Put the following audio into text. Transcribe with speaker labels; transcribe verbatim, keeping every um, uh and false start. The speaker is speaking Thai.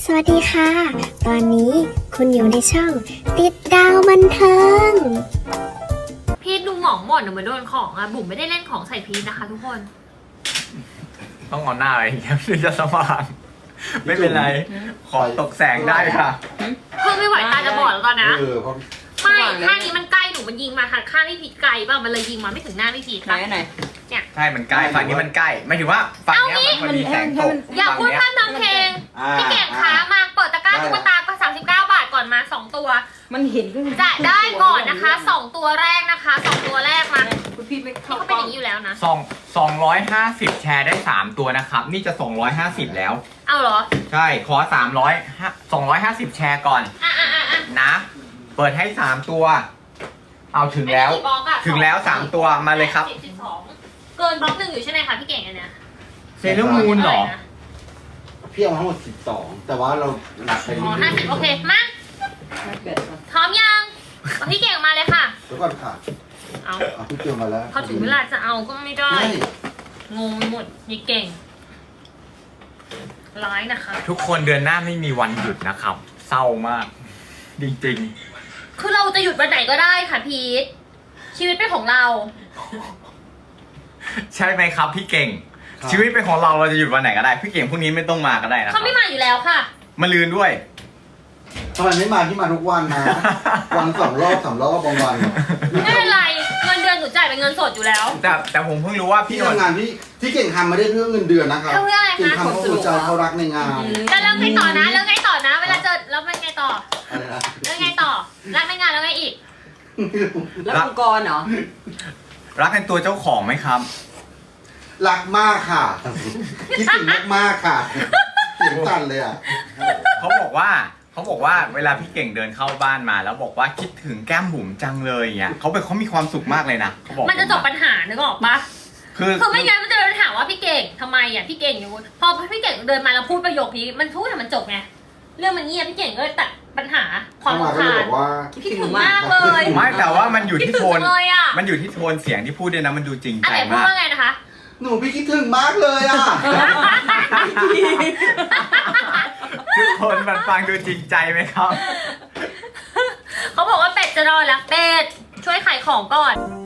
Speaker 1: สวัสดีค่ะ ตอนนี้คุณอยู่ในช่องติดดาวบันเทิง
Speaker 2: พีทดูหมองหมดหนูเหมือนโดนของอะบุ๋มไม่ได้เล่นของใส่พีทนะคะทุกคน
Speaker 3: ต้องเอาหน้าอะไรอย่างเงี้ยถึงจะสว่างไม่เป็นไร ขอตกแสงได้ค่ะ
Speaker 2: เพิ่งไม่ไหวตาจะบอดแล้วตอนนี้
Speaker 4: เออเพราะ
Speaker 2: ไม่ข้างนี้มันใกล้หนูมันยิงมาทางข้างพี่พีทไกลป่ะมันเลยยิงมาไม่ถึงหน้าพี่พีท
Speaker 5: ไหน
Speaker 2: ค่ะ
Speaker 5: ไหน
Speaker 3: ใช่มันใกล้ฝั่งนี้มันใกล้ไม่ถึงว่าฝั่งเนี้ยมันพอดีแสงตก
Speaker 2: อย่าพูด
Speaker 3: ฝั่ง
Speaker 2: พ
Speaker 3: เนี้ย
Speaker 2: ร่ำทำเพลง
Speaker 4: อ่า
Speaker 2: พี่เก่งขามาเปิดตะกร้าตุ๊กตาก็สามสิบเก้าบาทก่อนมาสองตัว
Speaker 5: มันเห็นขึ้น
Speaker 2: จะได้ก่อนนะคะสองตัวแรกนะคะสองตัวแรกมา
Speaker 5: คุณพี่ไม่
Speaker 2: นี่
Speaker 5: เข้า
Speaker 2: เขา
Speaker 5: ก
Speaker 2: เป็น
Speaker 5: ล้
Speaker 2: อ
Speaker 5: อง
Speaker 2: ย่างนี้อยู่แล้วนะ
Speaker 3: สองสองร้อยห้าสิบแชร์ได้สามตัวนะครับนี่จะสองร้อยห้าสิบแล้ว
Speaker 2: เอาเหรอ
Speaker 3: ใช่ขอสามร้อยสองร้อยห้าสิบแชร์ก่อน
Speaker 2: อ่ะอ่ะอ่ะอ่ะ
Speaker 3: นะ เปิดให้สามตัว เอาถึงแล้ว
Speaker 2: อันนี้กี่บล็อกอะ
Speaker 3: ถึงแล้วสามตัวมาเลยครับ
Speaker 2: สิสิบสองเกินบล็อกหนึ่งอยู่ใช่ไหมคะพี่เก่งอันเนี้ย
Speaker 3: เซเลอร์มูนเหรอ
Speaker 2: ะไนะ
Speaker 4: พี่เอามาทั้งหมดสิบสองแต่ว่าเราหนักไปนิ
Speaker 2: อ๋
Speaker 4: ด
Speaker 2: อ
Speaker 4: นึ
Speaker 2: ห้าง สิบโอเคมา
Speaker 5: ไม่เกิดก่อน
Speaker 2: พร้อมยังเอาพี่เก่งมาเลยค่ะ
Speaker 4: เดี๋ยวก่อนค่ะ
Speaker 2: เอา
Speaker 4: เอาพี่เกียวมาแล้ว
Speaker 2: พอถึงเวลาจะเอาก็ไม่ได้
Speaker 4: ไม่
Speaker 2: งงไปหมดยี่เก่ง ร้ายนะคะ
Speaker 3: ทุกคนเดือนหน้าไม่มีวันหยุดนะครับ เศร้ามาก จริง
Speaker 2: คือเราจะหยุดวันไหนก็ได้ค่ะพีทชีวิตเป็นของเรา
Speaker 3: ๆ ใช่ไหมครับพี่เก่ง ชีวิตเป็นของเราเราจะหยุดวันไหนก็ได้ พี่เก่งพรุ่งนี้ไม่ต้องมาก็ได้นะครั
Speaker 2: เขา
Speaker 3: บ
Speaker 2: ไม่มาอยู่แล้วค่ะ
Speaker 3: มาลืนด้วย
Speaker 4: ทำไมไม่มาที่มาทุกวันนะ วันสองรอบสามรอบบางวัน
Speaker 2: ไม่เป็นไรเงินเดือนหนูจ่ายเป็นเงินสดอยู่แล้ว
Speaker 3: แต่แต่ผมเพิ่งรู้ว่าพี่
Speaker 4: พี่
Speaker 3: นนท์
Speaker 4: ทำงานที่ที่เก่งทำไม่ได้เพื่อเงินเดือนนะครับ
Speaker 2: เพื่ออะไรคะ
Speaker 4: เก่งทำเพราะหัวใจเขารักในงาน
Speaker 2: จะเริ่มไงต่อนะเริ่มไงต่อนะ เวลาเจอแล้วเป็นไงต่อ
Speaker 4: อะไรนะ
Speaker 2: เริ่มไงต่อรักในงานแล้วไงอีก
Speaker 5: แล้วองค์กรเหรอ
Speaker 3: รักในตัวเจ้าของไหมครับ
Speaker 4: รักมากค่ะ คิดถึงมากๆค่ะเสียงสั่นเลยอ่ะ
Speaker 3: เขาบอกว่าเขาบอกว่าเวลาพี่เก่งเดินเข้าบ้านมา แล้วบอกว่าคิดถึงแก้มบุ๋มจังเลยอย่างเงี้ยเขาเป็นเขามีความสุขมากเลยนะเขาบอก
Speaker 2: มันจะจบปัญหานึกออกปะ
Speaker 3: คือ
Speaker 2: คือไม่งั้นมันจะเป็นปัญหาว่าพี่เก่งทำไมอ่ะพี่เก่งอยู่พอพี่เก่งเดินมาแล้วพูดประโยคนี้มันพูดให้มันจบไงเรื่องมันเงียบพี่เก่งก็เลยตัดปัญหาความ
Speaker 4: เข้ามาก็
Speaker 2: รำ
Speaker 4: เลย
Speaker 2: คา
Speaker 4: บ
Speaker 2: ญ
Speaker 4: อกว่า
Speaker 2: คิดถึงมากเลย
Speaker 3: ไม่แต่ว่ามันอยู่
Speaker 2: คิด
Speaker 3: ที่
Speaker 2: ถึ
Speaker 3: โท
Speaker 2: ง
Speaker 3: น
Speaker 2: เลยอ่ะ
Speaker 3: มันอยู่ที่โทนเสียงที่พูดด้วยนะมันดูจริง
Speaker 2: อัน
Speaker 3: ใจ
Speaker 2: ไหนพูด
Speaker 3: มาก
Speaker 2: ว่าไงนะคะ
Speaker 4: หนูพี่คิดถึงมากเลยอ่ะ
Speaker 3: ทุกคนมันฟังดูจริงใจไหมครับ
Speaker 2: เขาบอกว่าเป็ดจะรอแล้วเป็ดช่วยขายของก่อน